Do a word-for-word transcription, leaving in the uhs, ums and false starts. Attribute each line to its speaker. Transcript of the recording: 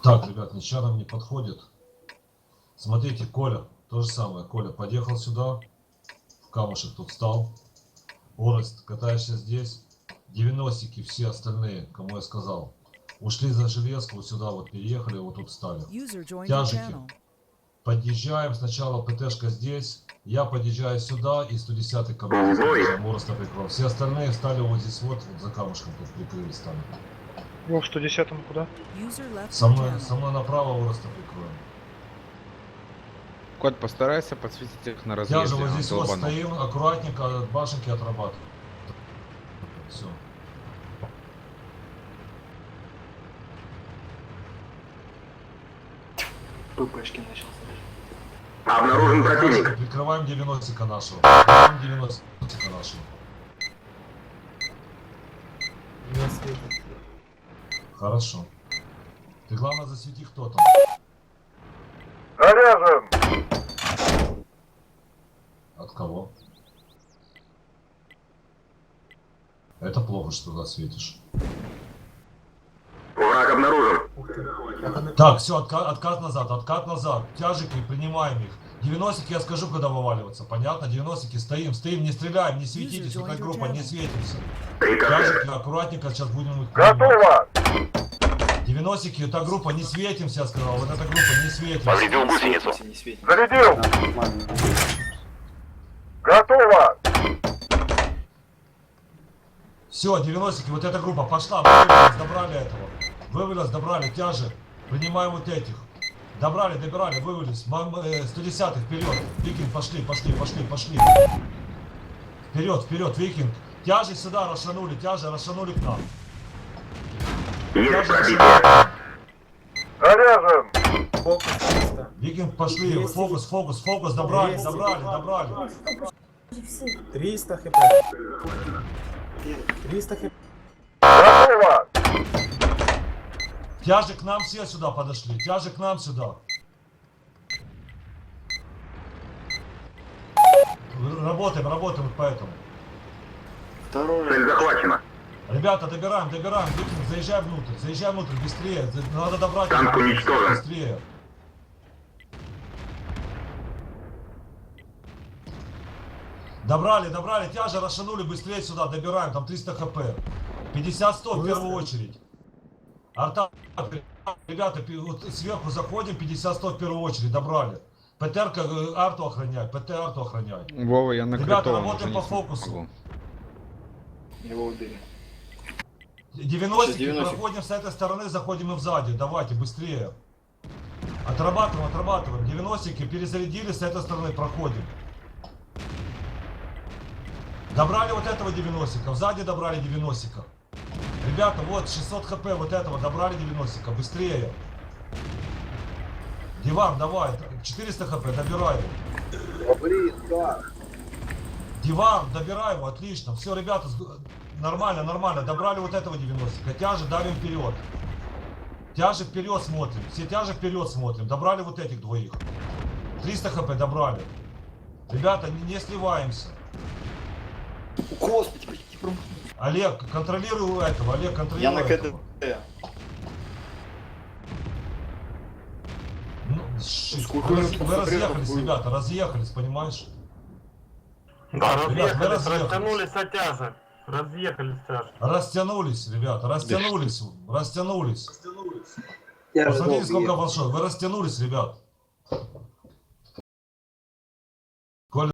Speaker 1: Так, ребят, ничего нам не подходит. Смотрите, Коля, то же самое. Коля подъехал сюда, в камушек тут встал. Орест, катаешься здесь. девяностики все остальные, кому я сказал, ушли за железку, вот сюда вот переехали, вот тут встали. Тяжики. Подъезжаем, сначала ПТшка здесь, я подъезжаю сюда и сто десятый ко мне подъезжаем, Ореста прикрыл. Все остальные встали вот здесь вот, вот за камушком тут прикрылись там.
Speaker 2: Ну, в сто десятом куда?
Speaker 1: Со мной, со мной направо Ореста прикроем.
Speaker 3: Кот, постарайся подсветить их на разъезде.
Speaker 1: Я же вот здесь вот стоим, аккуратненько от башенки отрабатываю. Все.
Speaker 4: ППшки начал.
Speaker 5: Обнаружен противник.
Speaker 1: Прикрываем девяностика нашего. Прикрываем девяностика нашего.
Speaker 6: Не светит.
Speaker 1: Хорошо. Ты главное засвети, кто там.
Speaker 2: Заряжен!
Speaker 1: От кого? Это плохо, что туда светишь.
Speaker 5: Враг обнаружен.
Speaker 1: Так, все, отка откат назад, откат назад. Тяжики, принимаем их. девяностики я скажу, когда вываливаться. Понятно? девяностики стоим, стоим, не стреляем, не светитесь, какая группа, не светимся. Тяжики, аккуратненько, сейчас будем их принимать.
Speaker 2: Готово!
Speaker 1: девяностики, эта группа, не светимся, я сказал. Вот эта группа, не светимся.
Speaker 5: Повредил гусеницу.
Speaker 4: Не светит.
Speaker 2: Зарядил! Готово!
Speaker 1: Все, девяностики, вот эта группа пошла, вывелись, добрали этого. Вывелись, добрали, тяжи. Принимаем вот этих. Добрали, добирали, вывелись. сто десятый вперед. Викинг, пошли, пошли, пошли, пошли. Вперед, вперед, викинг. Тяжи сюда расшанули, тяжи расшанули к нам.
Speaker 5: Есть пробитие.
Speaker 2: Заряжен!
Speaker 6: Фокус чисто.
Speaker 1: Викинг, пошли,
Speaker 6: двести.
Speaker 1: фокус, фокус, фокус, добрали,
Speaker 6: двести.
Speaker 1: добрали, добрали.
Speaker 6: триста хп. триста хп.
Speaker 2: Готово!
Speaker 1: Тяжи к нам все сюда подошли, тяжи к нам сюда. Работаем, работаем по этому.
Speaker 4: Второй.
Speaker 5: Цель захвачена.
Speaker 1: Ребята, добираем, добираем, Викинг, заезжай внутрь, заезжай внутрь, быстрее, надо добрать.
Speaker 5: Танк уничтожен.
Speaker 1: Быстрее. Добрали, добрали, тяжи расшанули, быстрее сюда, добираем, там триста хп. пятьдесят сто в первую очередь. Арта, ребята, вот сверху заходим, пятьдесят сто в первую очередь, добрали. ПТР-ка арту охраняй, ПТ арту охраняй.
Speaker 3: Вова, я на
Speaker 1: Ребята,
Speaker 3: критовом
Speaker 1: работаем
Speaker 3: уже
Speaker 1: по
Speaker 3: не
Speaker 1: фокусу.
Speaker 3: смогу.
Speaker 4: Его убили.
Speaker 1: девяностики,
Speaker 4: девяностик.
Speaker 1: проходим с этой стороны, заходим и сзади, давайте, быстрее. Отрабатываем, отрабатываем. девяностики перезарядили, с этой стороны проходим. Добрали вот этого девяностика, сзади добрали девяностика. Ребята, вот шестьсот хп вот этого, добрали девяностика, быстрее. Диван, давай, четыреста хп, добирай его.
Speaker 4: Блин, как?
Speaker 1: Диван, добирай его, отлично. Все, ребята, нормально, нормально, добрали вот этого девяностика. Тяжи давим вперед. Тяжи вперед смотрим, все тяжи вперед смотрим. Добрали вот этих двоих. триста хп добрали. Ребята, не, не сливаемся.
Speaker 4: Господи, почти промахнулся.
Speaker 1: Олег, контролируй этого, Олег, контролируй
Speaker 4: Я на
Speaker 1: этого.
Speaker 4: КД.
Speaker 1: Ну, шит.
Speaker 4: Сколько
Speaker 1: Вы,
Speaker 4: я
Speaker 1: раз-
Speaker 4: тут
Speaker 1: вы
Speaker 4: запретов
Speaker 1: разъехались,
Speaker 4: было?
Speaker 1: ребята, разъехались, понимаешь?
Speaker 7: Да,
Speaker 1: Ребят, мы
Speaker 7: разъехались,
Speaker 1: разъехались.
Speaker 7: растянулись от тяжа. Разъехались тяж.
Speaker 1: Растянулись, ребята, растянулись, растянулись.
Speaker 4: Я же
Speaker 1: Посмотрите,
Speaker 4: долго
Speaker 1: сколько
Speaker 4: ехал.
Speaker 1: большой. Вы растянулись, ребят.